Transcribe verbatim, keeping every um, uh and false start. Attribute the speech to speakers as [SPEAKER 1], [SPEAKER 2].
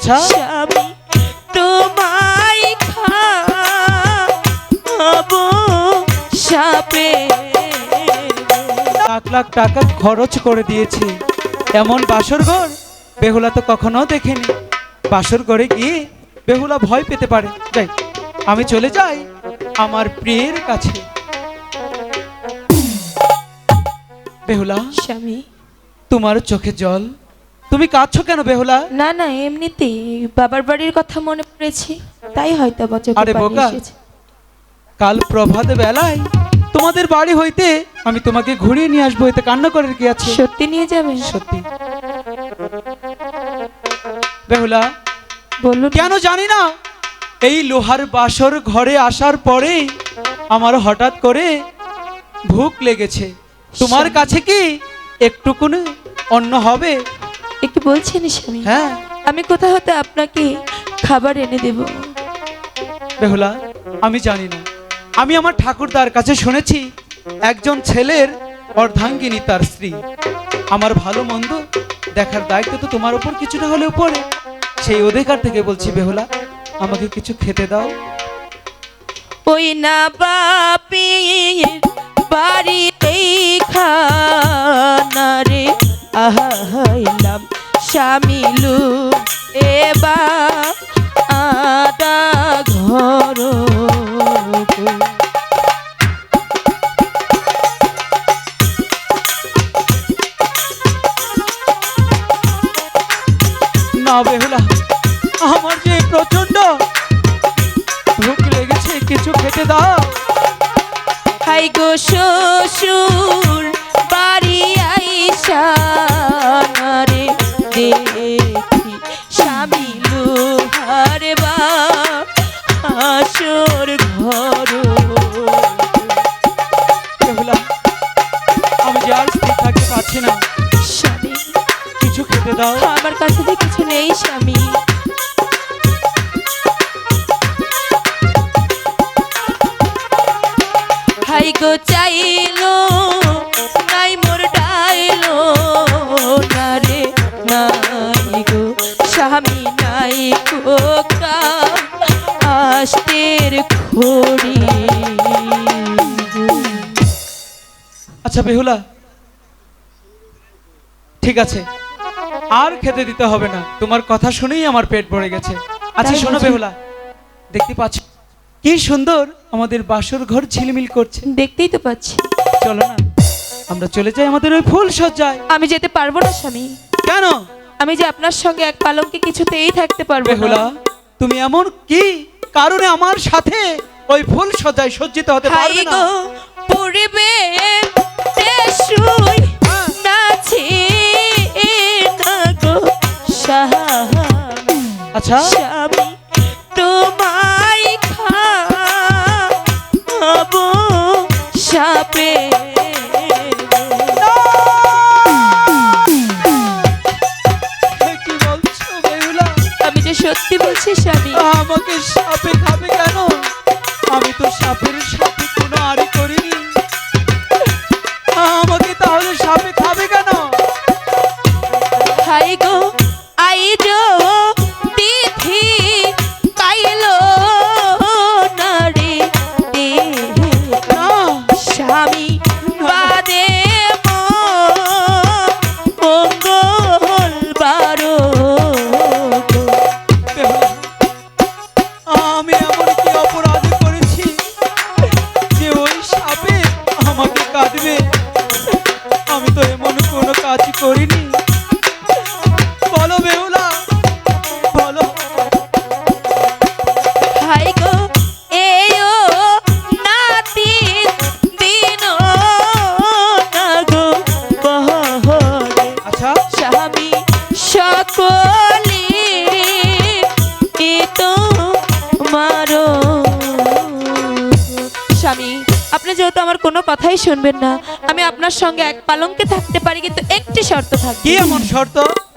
[SPEAKER 1] আচ্ছা
[SPEAKER 2] স্বামী তোমায় খাবো সাপে।
[SPEAKER 1] লাখ লাখ টাকা খরচ করে দিয়েছি, এমন বাসর ঘর বেহুলা তো কখনো দেখেনি। বাসর ঘরে গিয়ে বেহুলা ভয় পেতে পারে। যাই, আমি চলে যাই আমার প্রিয়ের কাছে। বেহুলা,
[SPEAKER 2] স্বামী
[SPEAKER 1] তোমার চোখে জল, তুমি কাঁদছো কেন বেহুলা?
[SPEAKER 2] না না এমনিতেই বাবার বাড়ির কথা মনে পড়েছে, তাই হয়তো বা চোখে
[SPEAKER 1] আরে
[SPEAKER 2] পানি
[SPEAKER 1] বোকা,
[SPEAKER 2] এসেছে।
[SPEAKER 1] কাল প্রভাত বেলায় তোমাদের বাড়ি হইতে আমি তোমাকে ঘুরিয়ে নিয়ে আসবো, এতে কান্না করার কি আছে?
[SPEAKER 2] সত্যি নিয়ে যাবেন?
[SPEAKER 1] সত্যি। বেহুলা,
[SPEAKER 2] বলুন।
[SPEAKER 1] কেন জানি না এই লোহার বাসর ঘরে আসার পরে আমার হঠাৎ করে ভুক লেগেছে। তোমার কাছে কি একটুকুনি অন্ন হবে?
[SPEAKER 2] একটু বলছেন স্বামী?
[SPEAKER 1] হ্যাঁ।
[SPEAKER 2] আমি কোথা হতে আপনাকে খাবার এনে দেব?
[SPEAKER 1] বেহুলা, আমি জানি না, আমি আমার ঠাকুরদার কাছে শুনেছি একজন ছেলের অর্ধাঙ্গিনী তার স্ত্রী। আমার ভালো মন্দ দেখার দায়িত্ব তো তোমার উপর কিছুটা হলেও পড়ে। সেই অধিকার থেকে বলছি বেহুলা, আমাকে কিছু খেতে দাও।
[SPEAKER 2] ওই না বাপের বাড়িতেই খানারে আহাইলাম স্বামীলু এবার আদা ঘর।
[SPEAKER 1] না বেহুলা, আমার যে প্রচন্ড ভুক লেগেছে, কিছু খেতে দাও।
[SPEAKER 2] হাই গো শ্বশুর বাড়ি আইসা রে দেখি স্বামী লোহার বা আসর ঘর।
[SPEAKER 1] বেহুলা, আমি যে আর স্থির থাকতে পারছি না,
[SPEAKER 2] স্বামী
[SPEAKER 1] কিছু খেতে দাও।
[SPEAKER 2] আমার কাছে যে কিছু নেই স্বামী। হাই গো চাইলো নাই মোর ডাইলো না রে নাই গো স্বামী নাই গো আস্তের খড়ি।
[SPEAKER 1] আচ্ছা বেহুলা, ঠিক আছে, আর খেতে দিতে হবে না, তোমার কথা শুনেই আমার পেট ভরে গেছে। আচ্ছা
[SPEAKER 2] তাই
[SPEAKER 1] শোনো
[SPEAKER 2] বুঝি?
[SPEAKER 1] বেহুলা, দেখতে পাচ্ছ কি সুন্দর আমাদের বাসর ঘর ঝিলমিল করছে।
[SPEAKER 2] দেখতেই তো পাচ্ছি।
[SPEAKER 1] চলো না, আমরা চলে যাই আমাদের ওই ফুল সজ্জায়।
[SPEAKER 2] আমি যেতে পারবো না স্বামী।
[SPEAKER 1] কেন?
[SPEAKER 2] আমি যে আপনার সঙ্গে এক পালঙ্কে কিছুতেই থাকতে পারবো
[SPEAKER 1] বেহুলা,
[SPEAKER 2] না।
[SPEAKER 1] তুমি এমন কি কারণে আমার সাথে ওই ফুল সজ্জায় সজ্জিত হতে
[SPEAKER 2] হাই
[SPEAKER 1] পারবে না?
[SPEAKER 2] গো পূর্বে তেসুই নাচে না গো স্বামী।
[SPEAKER 1] আচ্ছা
[SPEAKER 2] স্বামী তোমায় খাবো সাপে।
[SPEAKER 1] কি বলছো বেহুলা?
[SPEAKER 2] আমি যে সত্যি বলছি স্বামী।
[SPEAKER 1] আমাকে সাপে খাবে কেন? আমি তো সাপের সাথে কোনো আড়ি করিনি, আমাকে তাহলে সাপে খাবে কেন?
[SPEAKER 2] হাই গো আইজ তিথি পাইলো না রে
[SPEAKER 1] না,
[SPEAKER 2] স্বামী বাদে মঙ্গলবার।
[SPEAKER 1] বেহুলা, আমি এমন কি অপরাধ করেছি যে ওই সাপে আমাকে কাঁদবে? আমি তো এমন কোনো কাজ করিনি। বলো বেহুলা, বলো।
[SPEAKER 2] হাই গো এও নাতি দিন না গো বহরে।
[SPEAKER 1] আচ্ছা
[SPEAKER 2] স্বামী সকলে তো মারো। স্বামী আপনি যেহেতু আমার কোনো কথাই শুনবেন না, আমি আপনার সঙ্গে এক পালঙ্কে থাকতে পারি, কিন্তু একটি শর্ত থাকবে।
[SPEAKER 1] কি এমন শর্ত?